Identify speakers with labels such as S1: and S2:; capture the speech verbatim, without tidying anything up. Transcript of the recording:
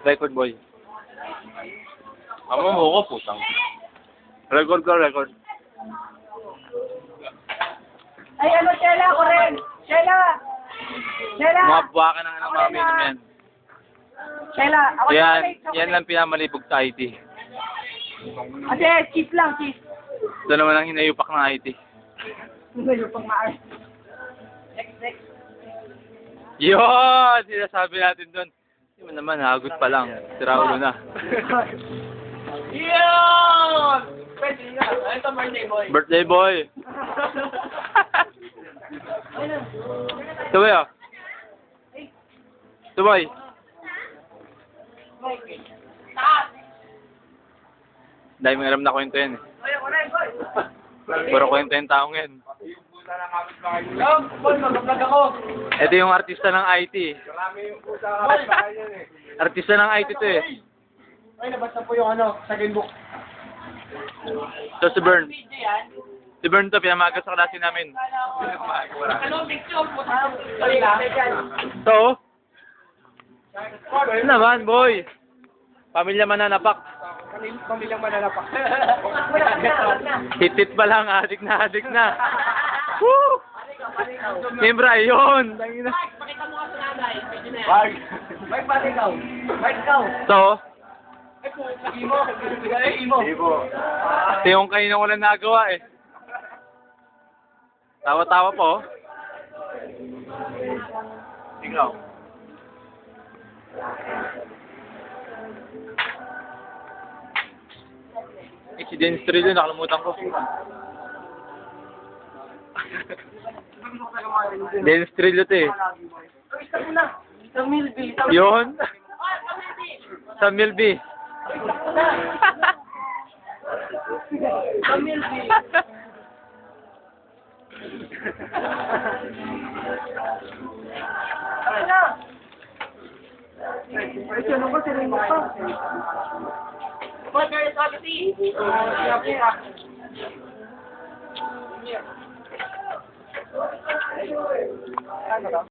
S1: Record boy. Amo mo ko, putang. Record ko, record.
S2: Ay, ano, Shela, ako rin. Shela! Shela!
S1: Mga buwaka ng anong mami naman yan.
S2: Shela, ako
S1: Yan,
S2: rin.
S1: yan lang pinamalibog sa I T.
S2: Ate, cheese lang, cheese.
S1: Ito naman ang hinayupak ng I T.
S2: Hindi yung pang maayos. Next, next.
S1: Yun! Sinasabi natin doon. Hindi mo naman, hagot pa lang. Sira ulo na.
S2: Yun! Pwede nga. Ano ito, birthday boy?
S1: Birthday boy! Tuboy ah. Tuboy. Dahil may alam na kwento yan eh.
S2: Ay, ako rin, boy.
S1: Puro kwento yung taong yan.
S2: Boy, mag-vlog ako.
S1: Ito yung artista ng I T.
S3: Marami yung pusa kapit bahay yan eh.
S1: Artista ng I T to eh.
S3: Ay, nabasa po yung ano, second book.
S1: So si Bern. Si Bern to, pinamagas sa klase namin.
S2: Ano, picture? Sorry lang.
S1: So, ano naman boy? Pamilya mananapak.
S3: Pamilyang mananapak.
S1: Hitit pa lang, adik na, adik na. Woo! Siyempre, ayun. Tangina.
S2: Pakita mo ka sa nanay. Pwede na yan.
S3: Wag.
S2: Mike, pati ikaw. Mike, ikaw.
S1: So,
S2: Imo. Imo.
S3: Ibo.
S1: ito yung kanina ko lang nagawa eh. Tawa-tawa po.
S3: Ikaw.
S1: Eh, si Dennis Trillo, nakalimutan ko. Dennis Trillo to eh.
S2: Isa mo na. Sa Milby. Sa
S1: Yun. Sa Milby.
S2: Sa Milby. Ano na? Ay, sino ba? Sino mo pa? What are you talking to?